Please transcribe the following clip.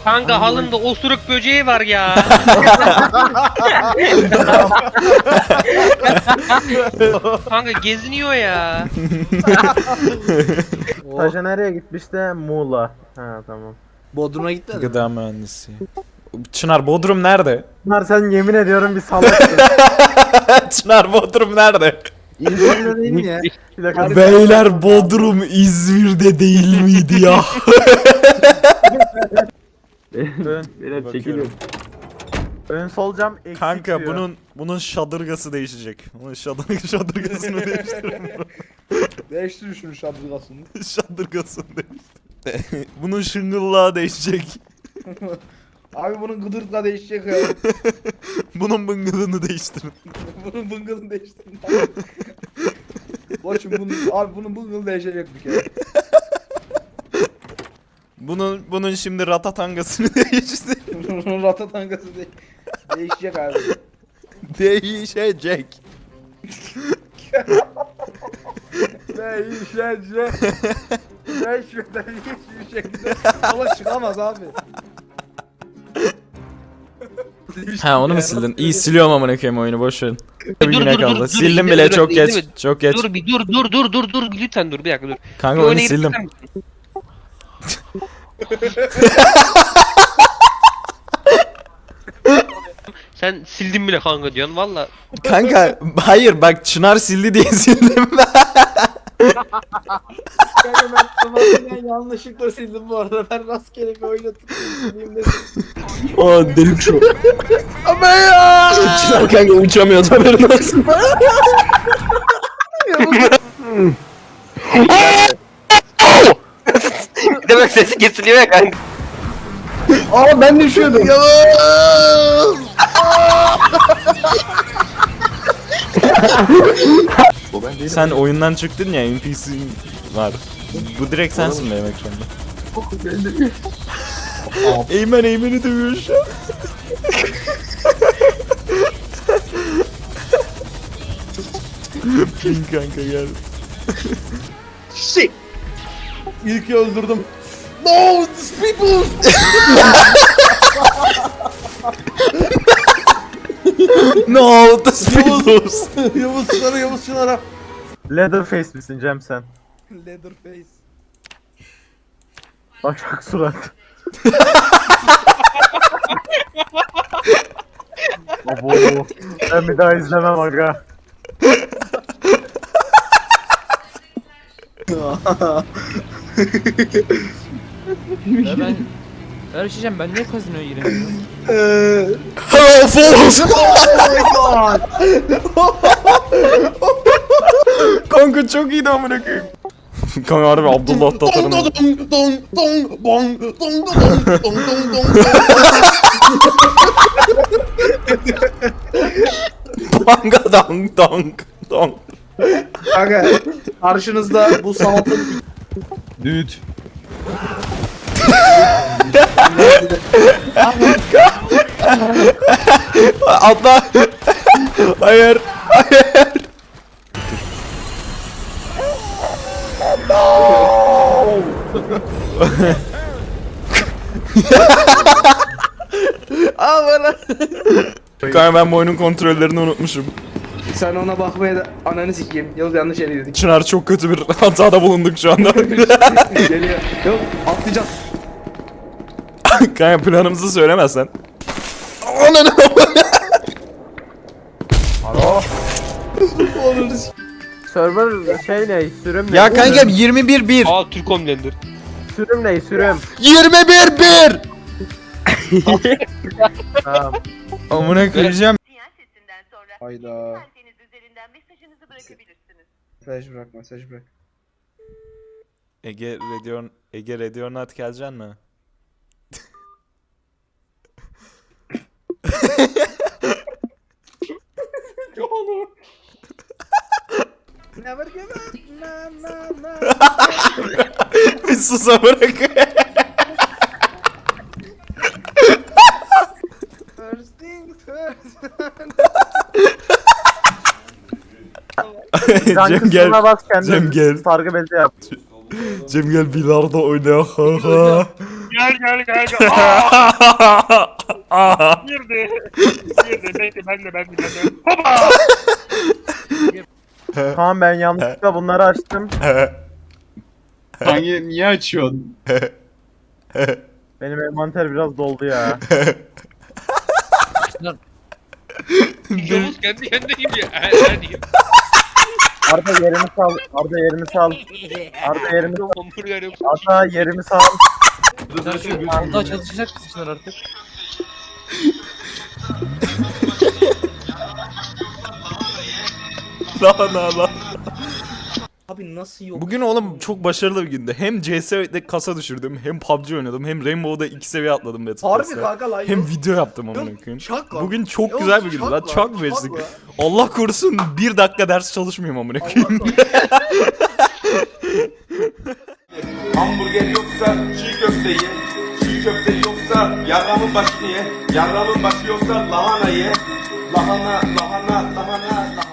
Kanka halımda osuruk böceği var ya. Kanka geziniyor ya. Taşa nereye gitmişti? Muğla. Ha tamam. Bodrum'a gitmedin mi? Gıda mühendisi. Çınar Bodrum nerede? Bunlar sen yemin ediyorum bir salaksın. Çınar Bodrum nerede? İzmir'de değil mi ya? Plakası- Beyler Bodrum İzmir'de değil miydi ya? Ön, Bakıyorum. ön sol cam eksik Kanka diyor. bunun şadırgası değişecek. Bunun şadırgasını değiştirelim. Değiştir şunu şadırgasını. Şadırgasını değiştir. Bunun şıngıllağı değişecek. Abi bunun gıdırtla değişecek ya. Bunun bıngılını değiştirin. Bunun bıngılını değiştirin. Boşum bunun, abi bunun bıngılı değişecek bir kere. Bunun şimdi ratatangasını değiştir. Bunun rata tankası değişecek abi. Değişecek. Değişecek. Değişmeden hiçbir şekilde yola çıkamaz abi. Ha onu mu sildin? İyi siliyorum amına koyayım oyunu boş verin. Dur, Yine dur, kaldı. dur, Sildim dur, bile dur, çok dur, geç. dur, Çok geç. Dur bir dur lütfen dur bir dakika dur. Kanka Bir oyunu oyuna girip sildim. çıkar mısın? Sen sildin bile kanka diyorsun valla. Kanka hayır bak Çınar sildi diye sildim. Kanka ben tamamen yanlışlıkla sildim bu arada. Ben rastgele bir oynatıp sileyim dedim. O delik şu. Ama ya! Çınar kanka uçamıyor haberin olsun. Demek sesi kesiliyor ya kanka. Aa ben düşüyordum. Sen oyundan çıktın ya NPC var. Bu direkt sensin benim ekranda. Eymen'i dövüyor şu an. Pink kanka gel. İlk öldürdüm. No, these people! No, the speedos. Yavuz Çınar'a. Leatherface misin Cem sen? Leatherface. Başak surat. Abo. Ben bir daha izlemem aga. Ya ben bir şey diyeceğim, ben niye kazinoya giremiyorum? Hello folks. Kanka çok iyiydi amına koyayım. Kanka harbi Abdullah Tatar'ın. Banga dong dong dong. Kanka karşınızda bu sanatın Düt. Atla. Hayır. Hayır. Kanka ben bu oyunun kontrollerini unutmuşum. sen ona bakmaya da ananı sikeyim. Yavuz yanlış yere girdik. Çınar çok kötü bir hatada bulunduk şu anda. Geliyor. Yok atlayacağız. Kanka planımızı söylemezsen. Ananı. Server şey ne? Sürüm ne? Ya kanka 21-1. Aa Türk Homelander. Sürüm ne? Sürüm. 21-1. Tamam. Amına koyacağım. Sinyal sesinden sonra Hayda. anteniz üzerinden mesajınızı bırakabilirsiniz. Mesaj bırak mesaj bırak. Ege Radionat geleceksin mi? Never give up. Na na na. Bir sus amına koyayım. First thing first. Can Cem kısmına gel. bas kendin. Cem gel. Sargı bezi yap. Cem gel bilardo oyna. Ha ha. Gel Girdi. Girdi. Bekle ben de. Hopa! Tamam ben yanlışlıkla bunları açtım. Hangi niye açıyorsun? Benim envanter biraz doldu ya. Yavuz kendi kendine gidiyor. Arda yerimi sal. Arda yerimi sal. Arda yerimi sal. Hamburger yok. Arda yerimi sal. Daha çalışacak mısınlar artık? Lan. Abi nasıl yok? Bugün oğlum çok başarılı bir gündü. Hem CS'de kasa düşürdüm, hem PUBG oynadım, hem Rainbow'da 2 seviye atladım Battle Harbi Pass'te. kanka lan. Hem video yaptım amına koyayım. Çak lan. Bugün çok Yok, güzel bir gündü çak lan. lan, Çok çak versik. lan. Allah korusun 1 dakika ders çalışmıyorum amına koyayım. Hamburger yoksa çiğ köfte ye. Çiğ köfte yoksa yarramın başını ye. Yarramın başı yoksa lahana ye. Lahana.